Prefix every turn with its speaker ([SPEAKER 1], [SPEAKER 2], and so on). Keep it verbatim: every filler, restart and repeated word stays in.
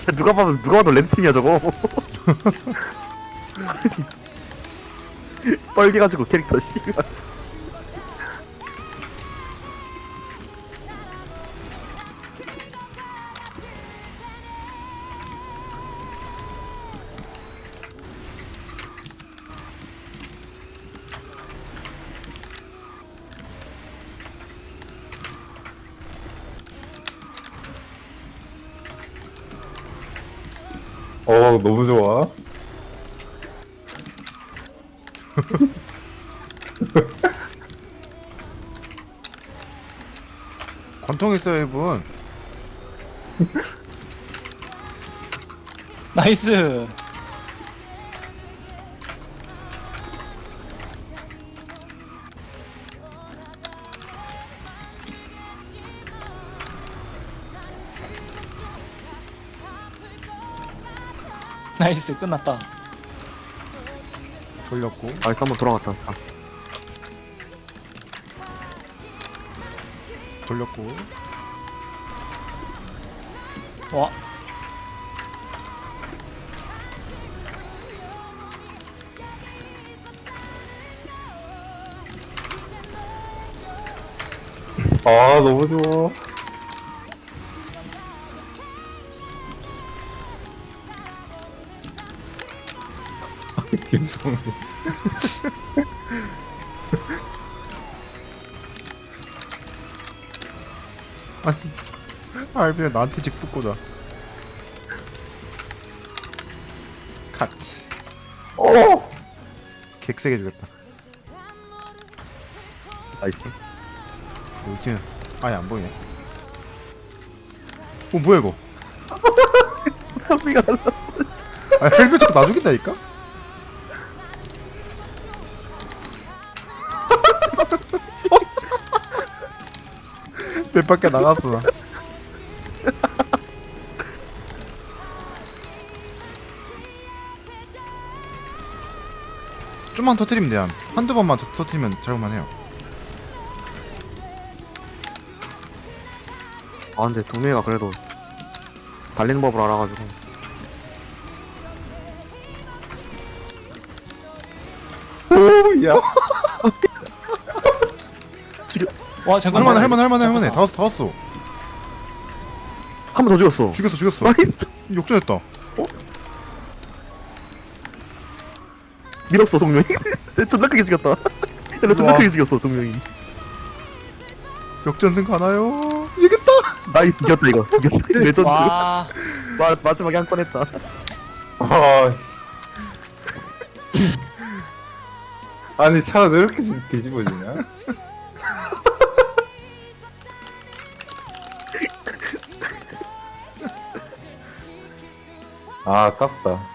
[SPEAKER 1] 진짜 누가 봐도 누가 봐도 램팀이야 저거. 뻘개가지고 캐릭터 씨발.
[SPEAKER 2] 어 너무 좋아.
[SPEAKER 3] 관통 있어요 이분.
[SPEAKER 4] 나이스. 나이스 끝났다.
[SPEAKER 3] 돌렸고.
[SPEAKER 1] 나이스 한번 돌아갔다. 아,
[SPEAKER 3] 돌렸고.
[SPEAKER 4] 와.
[SPEAKER 2] 아 너무 좋아. 김성민.
[SPEAKER 3] 아니 알비야 나한테 직 붙고자. 컷.
[SPEAKER 2] 어.
[SPEAKER 3] 객세게 주겠다.
[SPEAKER 1] 나이스.
[SPEAKER 3] 여기는 아예 안 보이네. 어 뭐야 이거?
[SPEAKER 1] 선비가 날라.
[SPEAKER 3] 아 헬멧 자꾸 나 죽인다니까? 몇 밖에 나갔어 나. 좀만 터트리면 돼요. 한두 번만 더 터트리면 잘만 해요.
[SPEAKER 1] 아 근데 동맹이가 그래도 달리는 법을 알아가지고.
[SPEAKER 2] 오야.
[SPEAKER 4] 와 잠깐만.
[SPEAKER 3] 할만해 할만해 할만해 할만해. 다 왔어 다 왔어.
[SPEAKER 1] 한 번 더 죽였어.
[SPEAKER 3] 죽였어 죽였어.
[SPEAKER 1] 나이스.
[SPEAKER 3] 역전했다.
[SPEAKER 1] 밀었어 동명이. 존나 크게 죽였다. 근데 존나
[SPEAKER 3] 우와.
[SPEAKER 1] 크게 죽였어 동명이.
[SPEAKER 3] 역전승 가나요? 이겼다.
[SPEAKER 1] 나이스 이겼다 이거. 이겼어. 레전드.
[SPEAKER 4] 와.
[SPEAKER 1] 마, 마지막에 한 건 했다.
[SPEAKER 2] 아. 씨. 아니 차가 왜 이렇게 뒤집어지냐? 아 아깝다.